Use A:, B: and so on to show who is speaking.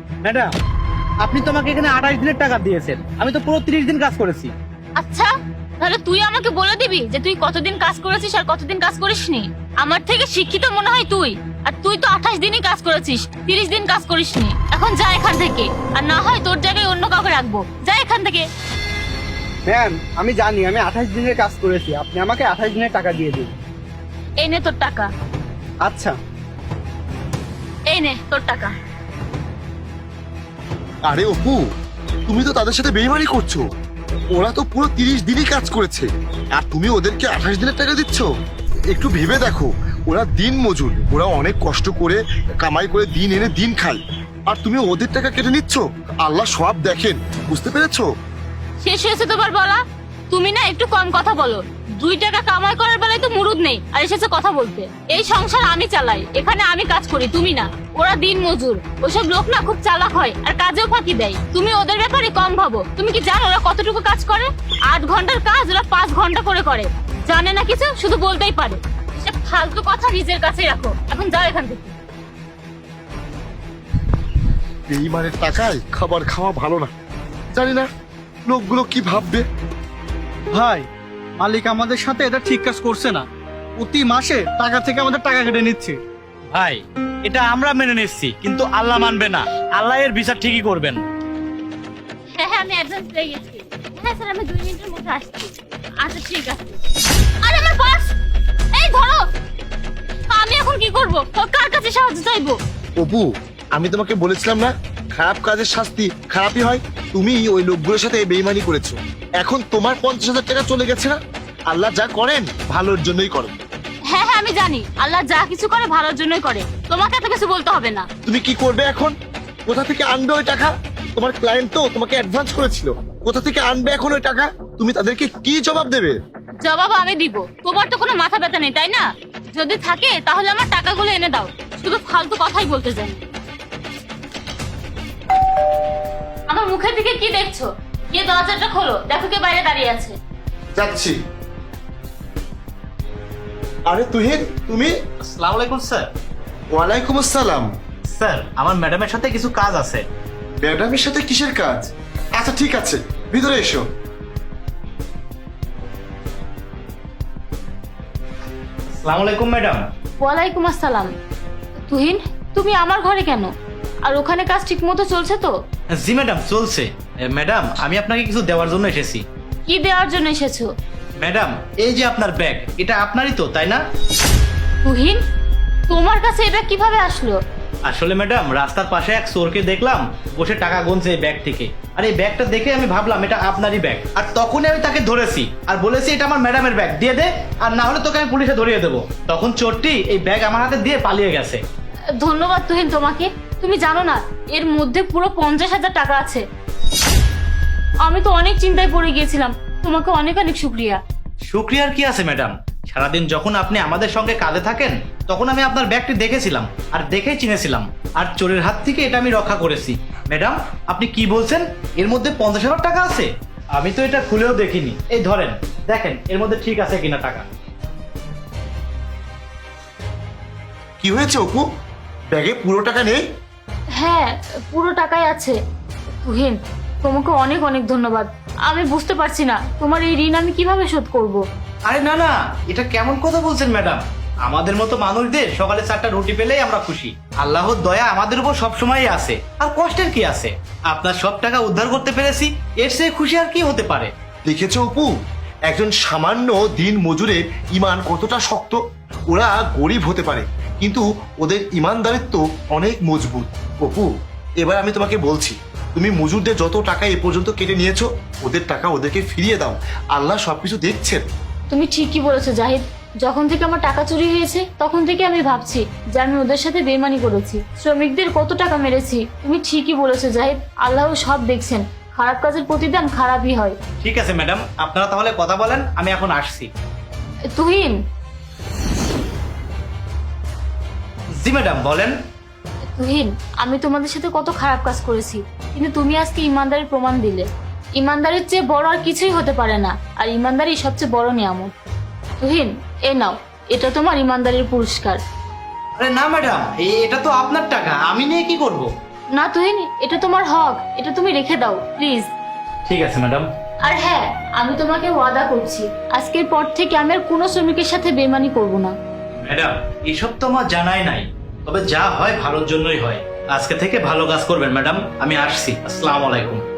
A: Madam, আপনি তো আমাকে এখানে 28 দিনের টাকা দিয়েছেন, আমি তো পুরো 30 দিন কাজ করেছি।
B: আচ্ছা, তাহলে তুই আমাকে বলে দিবি যে তুই কতদিন কাজ করেছিস আর কতদিন কাজ করিসনি? আমার থেকে শিক্ষিত মনে হয় তুই, আর তুই তো 28 দিনই কাজ করেছিস, 30 দিন কাজ করিসনি। এখন যা এখান থেকে, আর না হয় তোর জায়গায় অন্য কাউকে রাখবো। যা এখান থেকে।
A: ম্যাম, আমি জানি আমি 28 দিনের কাজ করেছি, আপনি আমাকে 28 দিনের টাকা দিয়ে দিন।
B: এই নে তোর টাকা।
A: আচ্ছা।
B: এই নে তোর টাকা।
C: আরে অপু, তুমি তো তাদের সাথে বেইমানি করছো। ওরা তো পুরো 30 দিনই কাজ করেছে, আর তুমি ওদেরকে 28 দিনের টাকা দিচ্ছ। একটু ভেবে দেখো, ওরা দিন মজুর, ওরা অনেক কষ্ট করে কামাই করে দিন এনে দিন খায়, আর তুমি ওদের টাকা কেটে নিচ্ছ। আল্লাহ সব দেখেন, বুঝতে পেরেছো?
B: শেষ হয়েছে তোমার বলা? তুমি না একটু কম কথা বলো। 2 টাকা কামাই করার বেলায় তো মুরুদ নেই, আর এসেছে কথা বলতে। এই সংসার আমি চালাই, এখানে আমি কাজ করি, তুমি না। ওরা দিন মজুর, ওসব লোক না খুব চালাক হয় আর কাজেও ফাঁকি দেয়। তুমি ওদের ব্যাপারে কম ভাবো। তুমি কি জানো ওরা কতটুকু কাজ করে? 8 ঘন্টার কাজ ওরা 5 ঘন্টা করে করে। জানে না কিছু, শুধু বলতেই পারে। এসব ফালতু কথা নিজের কাছে রাখো। এখন যাও এখান থেকে।
C: বেইমানের টাকায় খাবার খাওয়া ভালো না। জানি না লোকগুলো কি ভাববে।
D: ভাই, মালিক আমাদের সাথে এটা ঠিক কাজ করছে না। প্রতি মাসে টাকা থেকে আমাদের টাকা কেটে নিচ্ছে।
A: ভাই, এটা আমরা মেনে নিচ্ছি, কিন্তু আল্লাহ মানবে না। আল্লাহ এর বিচার ঠিকই করবেন।
B: হ্যাঁ হ্যাঁ, আমি অ্যাডভান্স পেয়ে গেছি। হ্যাঁ স্যার, আমি 2 মিনিটের মধ্যে আসছি। আচ্ছা ঠিক আছে। আরে আমার পার্স! এই ধরো। আমি এখন কি করব? কার কাছে সাহায্য চাইবো?
C: অপু, আমি তোমাকে বলেছিলাম না, খারাপ কাজের শাস্তি খারাপই হয়। তুমি ওই লোকগুলোর সাথে বেইমানি করেছো, এখন তোমার 50,000 টাকা চলে গেছে না। আল্লাহ যা করেন ভালোর জন্যই করেন।
B: হ্যাঁ হ্যাঁ, আমি জানি আল্লাহ যা কিছু করে ভালোর জন্যই করে। তোমাকে এত কিছু বলতে হবে না।
C: তুমি কি করবে এখন? কোথা থেকে আনবে ওই টাকা? তোমার ক্লায়েন্ট তো তোমাকে অ্যাডভান্স করেছিল, কোথা থেকে আনবে এখন ওই টাকা? তুমি তাদেরকে কি জবাব দেবে?
B: জবাব আমি দিব। তোমার তো কোনো মাথা ব্যথা নেই, তাই না? যদি থাকে তাহলে আমার টাকাগুলো এনে দাও। শুধু ফালতু কথাই বলতে যাই। আমার মুখের দিকে কি দেখছো? গিয়ে দরজাটা খোলো, দেখো কে বাইরে দাঁড়িয়ে আছে।
C: যাচ্ছি। আরে তুহিন, তুমি?
A: আসসালামু আলাইকুম স্যার।
C: ওয়ালাইকুম আসসালাম।
A: স্যার, আমার ম্যাডামের সাথে কিছু কাজ আছে।
C: ম্যাডামের সাথে কিসের কাজ? আচ্ছা ঠিক আছে, ভিতরে এসো।
A: আসসালামু আলাইকুম ম্যাডাম।
B: ওয়ালাইকুম আসসালাম। তুহিন, তুমি আমার ঘরে কেন? আর ওখানে কাজ ঠিক মতো চলছে তো?
A: জি ম্যাডাম, চলছে। ম্যাডাম, আমি আপনাকে কিছু দেওয়ার জন্য এসেছি।
B: কি দেওয়ার জন্য এসেছো?
A: ম্যাডাম, এই যে আপনার ব্যাগ, এটা আপনারই তো, তাই না?
B: তুহিন, তোমার কাছে এটা কিভাবে আসলো?
A: আসলে ম্যাডাম, রাস্তার পাশে এক চোরকে দেখলাম বসে টাকা গুনছে এই ব্যাগ থেকে। আর এই ব্যাগটা দেখে আমি ভাবলাম এটা আপনারই ব্যাগ। আর তখনই আমি তাকে ধরেছি আর বলেছি এটা আমার ম্যাডামের ব্যাগ, দিয়ে দে, আর না হলে তোকে আমি পুলিশে ধরিয়ে দেবো। তখন চোরটি এই ব্যাগ আমার হাতে দিয়ে পালিয়ে গেছে।
B: ধন্যবাদ তুহিন তোমাকে। তুমি জানো না এর মধ্যে পুরো 50,000 টাকা আছে। আমি তো অনেক চিন্তায় পড়ে গিয়েছিলাম। তোমাকে অনেক অনেক শুক্রিয়া।
A: শুক্রিয়ার কি আছে ম্যাডাম? সারাদিন যখন আপনি আমাদের সঙ্গে কাজে থাকেন তখন আমি আপনার ব্যাগটি দেখেছিলাম আর দেখেই চিনেছিলাম, আর চোরের হাত থেকে এটা আমি রক্ষা করেছি। ম্যাডাম, আপনি কি বলছেন? এর মধ্যে 50,000 টাকা আছে? আমি তো এটা খুলেও দেখিনি। এই ধরেন, দেখেন এর মধ্যে ঠিক আছে কিনা টাকা।
C: কি হয়েছে অপু? ব্যাগে পুরো টাকা নেই?
B: হ্যাঁ, পুরো টাকাই আছে। তুহিন, তোমাকে অনেক অনেক ধন্যবাদ। আমি বুঝতে পারছি না তোমার এই ঋণ আমি কিভাবে শোধ করব।
A: আরে না না, এটা কেমন কথা বলছেন ম্যাডাম? আমাদের মতো মানুষদের সকালে 4টা রুটি পেলেই আমরা খুশি। আল্লাহর দয়া আমাদের উপর সবসময়ই আছে, আর কষ্টের কি আছে? আপনার সব টাকা উদ্ধার করতে পেরেছি, এর চেয়ে খুশি আর কি হতে পারে?
C: দেখেছো অপু, একজন সামান্য দিন মজুরের ইমান কতটা শক্ত। ওরা গরিব হতে পারে, কিন্তু ওদের ইমানদারিত্ব অনেক মজবুত। অপু, এবার আমি তোমাকে বলছি, তুমি মজুরদের যত টাকা এ পর্যন্ত কেটে নিয়েছো, ওদের টাকা ওদেরকে ফিরিয়ে দাও। আল্লাহ সবকিছু দেখছেন।
B: তুমি ঠিকই বলেছো জাহিদ। যখন থেকে আমার টাকা চুরি হয়েছে তখন থেকে আমি ভাবছি যে আমি ওদের সাথে বেইমানি করেছি, শ্রমিকদের কত টাকা মেরেছি। তুমি ঠিকই বলেছো জাহিদ, আল্লাহ সব দেখছেন। খারাপ কাজের প্রতিদান খারাপই হয়।
A: ঠিক আছে ম্যাডাম, আপনারা তাহলে কথা বলেন, আমি এখন আসছি।
B: তুহিন।
A: জি ম্যাডাম, বলেন।
B: তুহিন, আমি তোমাদের সাথে কত খারাপ কাজ করেছি, কিন্তু তুমি আজকে ইমানদারির প্রমাণ দিলে। ইমানদারির চেয়ে বড় আর কিছুই হতে পারে না, আর ইমানদারি সবচেয়ে বড় নিয়ামত। তুহিন, এ নাও, এটা তোমার ইমানদারির পুরস্কার।
A: আরে না ম্যাডাম, এটা তো আপনার টাকা, আমি নিয়ে কি করব?
B: না তুহিন, এটা তোমার হক, এটা তুমি রেখে দাও প্লিজ।
A: ঠিক আছে ম্যাডাম।
B: আর হ্যাঁ, আমি তোমাকে ওয়াদা করছি আজকের পর থেকে আমি আর কোনো শ্রমিকের সাথে বেমানি করব না।
A: ম্যাডাম এসব তো আমার জানাই নাই, তবে যা হয় ভালোর জন্যই হয়। আজকে থেকে ভালো কাজ করবেন ম্যাডাম, আমি আসছি। আসসালামু আলাইকুম।